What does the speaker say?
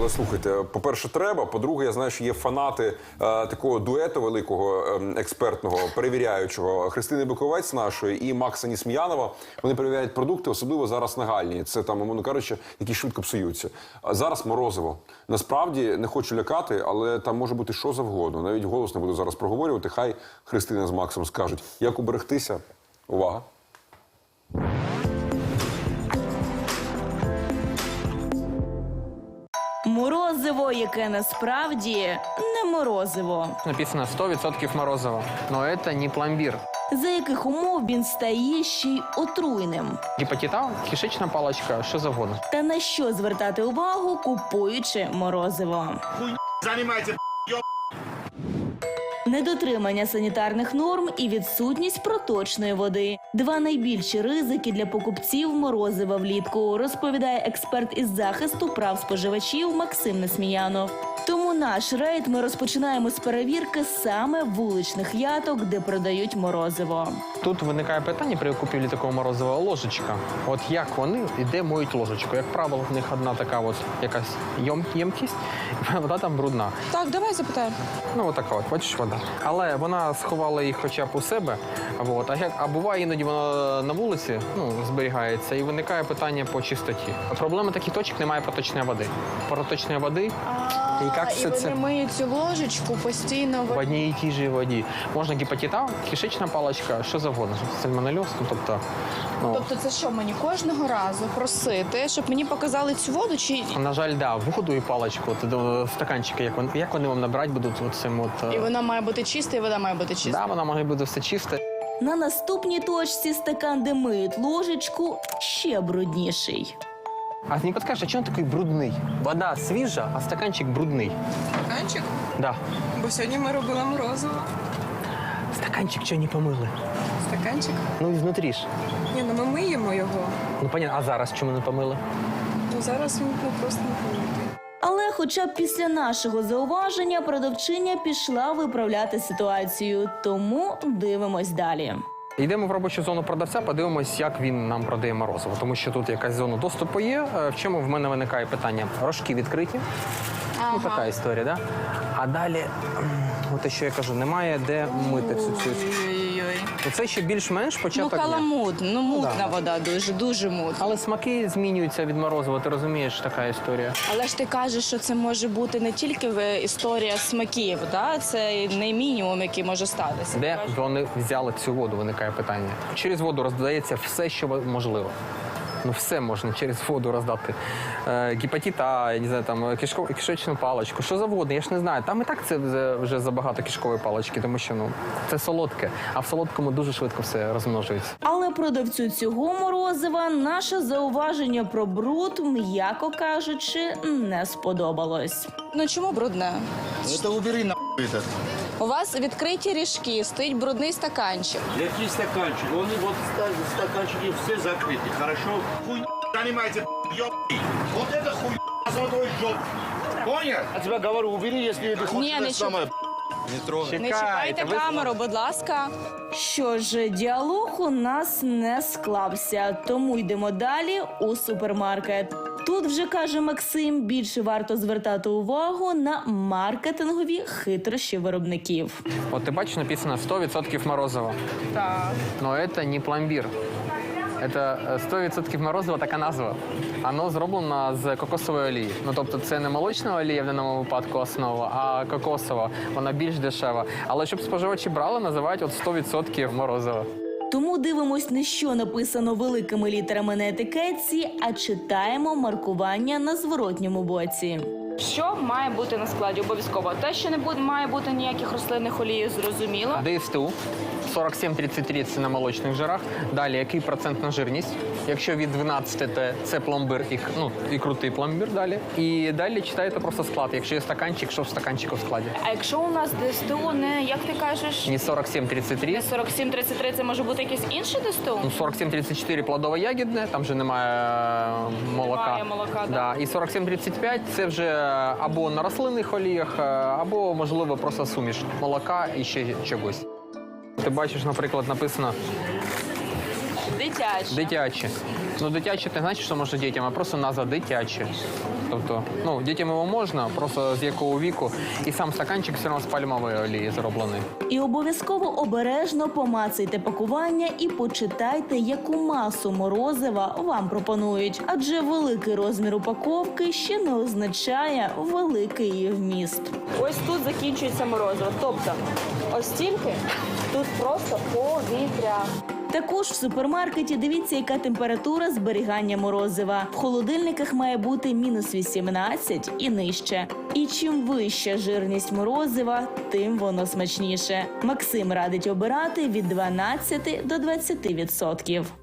але слухайте, по-перше, треба, по-друге, я знаю, що є фанати такого дуету великого, експертного, перевіряючого, Христини Биковець нашої і Макса Нісміянова. Вони перевіряють продукти, особливо зараз нагальні. Це там, умовно кажучи, які швидко псуються. А зараз морозиво. Насправді, не хочу лякати, але там може бути що завгодно. Навіть голос не буду зараз проговорювати. Хай Христина з Максом скажуть, як уберегтися. Увага. Морозиво, яке насправді не морозиво. Написано 100% морозиво, но это не пломбир. За яких умов він стає ще й отруйним? Гепатит А, кишечна паличка, що завгодно. Та на що звертати увагу, купуючи морозиво? Занимайте, Недотримання санітарних норм і відсутність проточної води – два найбільші ризики для покупців морозива влітку, розповідає експерт із захисту прав споживачів Максим Несміянов. Тому наш рейд ми розпочинаємо з перевірки саме вуличних яток, де продають морозиво. Тут виникає питання при купівлі такого морозива ложечка. От як вони і де моють ложечку? Як правило, в них одна така от якась ємкість, вода там брудна. Так, давай запитаємо. Ну, отака от, бачиш, вода. Але вона сховала їх хоча б у себе, от. А буває іноді вона на вулиці, зберігається, і виникає питання по чистоті. Проблема таких точок, немає проточної води. Проточної води, і як все це? Вони миють цю ложечку постійно. В одній і тій же воді. Можна гепатит А, кишечна паличка, що завгодно. Сальмонельоз, тобто... Тобто це що, мені кожного разу просити, щоб мені показали цю воду, чи... На жаль, да, воду і паличку, до стаканчики, як вони вам набирати будуть цим от... І вона має бути чиста, і вода має бути чиста. Да, вона має бути все чисте. На наступній точці стакан, де миють ложечку, ще брудніший. А не підкажеш, а чому він такий брудний? Вода свіжа, а стаканчик брудний. Стаканчик? Да. Бо сьогодні ми робили морозиво. Стаканчик чого не помили? Стаканчик? Ну і знутрі ж. Ні, ну ми миємо його. Ну, понятно, а зараз чому не помили? Ну зараз він просто не помитий. Але хоча б після нашого зауваження продавчиня пішла виправляти ситуацію. Тому дивимось далі. Йдемо в робочу зону продавця, подивимось, як він нам продає морозиво. Тому що тут якась зона доступу є. В чому в мене виникає питання? Рожки відкриті. Ну, така історія, да? А далі, от що я кажу, немає де мити всю цю. Це ще більш-менш Ну, початок дня. каламут, мутна Да. вода, дуже мутна. Але смаки змінюються від морозива, ти розумієш, така історія. Але ж ти кажеш, що це може бути не тільки історія смаків, да? Це не мінімум, який може статися. Де вони взяли цю воду, виникає питання. Через воду роздається все, що можливо. Ну, все можна через воду роздати. Гепатит А, я не знаю, там, кишечну паличку, що завгодно, я ж не знаю. Там і так це вже забагато кишкової палички, тому що, це солодке, а в солодкому дуже швидко все розмножується. Але продавцю цього морозива наше зауваження про бруд, м'яко кажучи, не сподобалось. Ну чому брудне? это убери нахуй это. У вас відкриті ріжки, стоїть брудний стаканчик. Какие стаканчики? Они вот стаканчики все закрыты, хорошо? Хуй занимайте, ёбки. Вот это хуй золотой жоп. Понял? Я тебя говорю, убери, если ты хочешь Не, это не самое. Не чіпайте камеру, будь ласка. Що ж, діалог у нас не склався, тому йдемо далі у супермаркет. Тут вже, каже Максим, більше варто звертати увагу на маркетингові хитрощі виробників. От ти бачиш, написано 100% морозиво. Так. Но це не пломбір. Це 100% морозиво, така назва. Воно зроблено з кокосової олії. Ну, тобто це не молочна олія в даному випадку основа, а кокосова. Вона більш дешева. Але щоб споживачі брали, називають от 100% морозиво. Тому дивимось не що написано великими літерами на етикетці, а читаємо маркування на зворотньому боці. Що має бути на складі обов'язково? Те, що не має бути ніяких рослинних олій, зрозуміло. ДСТУ 47-33 – це на молочних жирах. Далі, який процентна жирність? Якщо від 12 – то це пломбир, і крутий пломбир далі. І далі читаєте просто склад. Якщо є стаканчик, що в стаканчику в складі. А якщо у нас ДСТУ не, як ти кажеш, Не 47-33. 47-33, це може бути якесь інше ДСТУ? Ну, 47-34 плодово-ягідне, там вже немає молока. Немає молока, да. І 47-35 це вже або на рослинних оліях, або, можливо, просто суміш молока і ще чогось. Ти бачиш, наприклад, написано Дитяче. Дитяче. Ну, дитяче не значить, що можна дітям, а просто назва дитяче. Тобто, ну, дітям його можна, просто з якого віку. І сам стаканчик все одно з пальмової олії зроблений. І обов'язково обережно помацайте пакування і почитайте, яку масу морозива вам пропонують. Адже великий розмір упаковки ще не означає великий її вміст. Ось тут закінчується морозиво. Тобто, ось стільки, тут просто повітря. Також в супермаркеті дивіться, яка температура зберігання морозива. В холодильниках має бути мінус 18 і нижче. І чим вища жирність морозива, тим воно смачніше. Максим радить обирати від 12 до 20%.